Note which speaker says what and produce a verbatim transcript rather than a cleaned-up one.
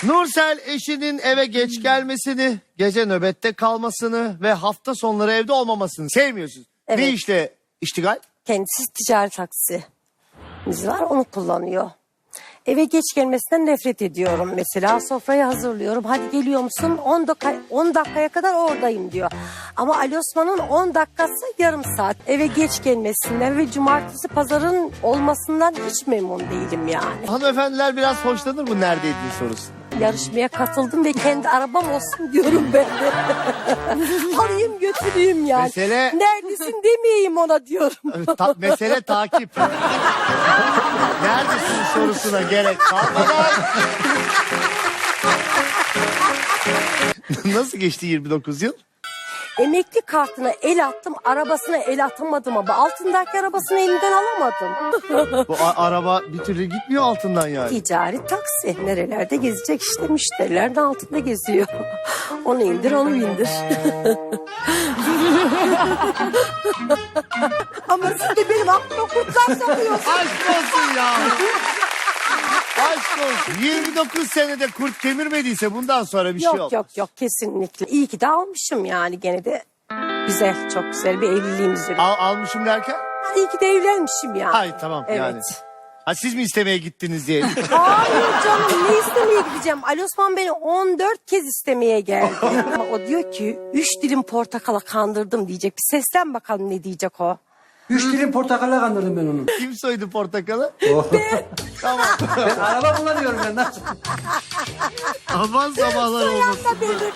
Speaker 1: Nursel eşinin eve geç gelmesini, gece nöbette kalmasını ve hafta sonları evde olmamasını sevmiyorsunuz.
Speaker 2: Evet.
Speaker 1: Ne işle iştigal?
Speaker 2: Kendisi ticari taksimiz var, onu kullanıyor. Eve geç gelmesinden nefret ediyorum mesela. Sofrayı hazırlıyorum. Hadi geliyor musun? on dakika, on dakikaya kadar oradayım diyor. Ama Ali Osman'ın on dakikası yarım saat. Eve geç gelmesinden ve cumartesi pazarın olmasından hiç memnun değilim yani.
Speaker 1: Hanımefendiler biraz hoşlanır bu neredeydin sorusu.
Speaker 2: Yarışmaya katıldım ve kendi arabam olsun diyorum ben de. Alayım götüreyim yani.
Speaker 1: Mesele-
Speaker 2: Neredesin demeyeyim ona diyorum.
Speaker 1: Ta- mesele takip. Neredesin sorusuna gerek kalmadan. Nasıl geçti yirmi dokuz yıl?
Speaker 2: Emekli kartına el attım, arabasına el atamadım ama altındaki arabasını elinden alamadım.
Speaker 1: Bu a- araba bir türlü gitmiyor altından yani.
Speaker 2: Ticari taksi. Nerelerde gezecek işte, müşteriler de altında geziyor. Onu indir, onu bindir. Ama siz de benim aklıma kurtlar sokuyorsunuz.
Speaker 1: Aşk olsun ya. Aşk olsun. yirmi dokuz senede kurt kemirmediyse bundan sonra bir şey
Speaker 2: Yok
Speaker 1: yok.
Speaker 2: yok yok, kesinlikle. İyi ki de almışım yani, gene de güzel, çok güzel bir evliliğimiz var.
Speaker 1: Al, almışım derken?
Speaker 2: İyi ki de evlenmişim yani.
Speaker 1: Hay tamam
Speaker 2: Evet.
Speaker 1: yani. Ha, siz mi istemeye gittiniz diye.
Speaker 2: Hayır canım, ne istemeye gideceğim? Ali Osman beni on dört kez istemeye geldi. O diyor ki üç dilim portakala kandırdım diyecek. Bir seslen bakalım ne diyecek o.
Speaker 3: Üç dilim portakalla kandırdım ben onu.
Speaker 1: Kim soydu portakalı?
Speaker 3: Tamam. Ben araba kullanıyorum ben. Nasıl?
Speaker 1: Aman sabahlar olmasın.
Speaker 2: Beni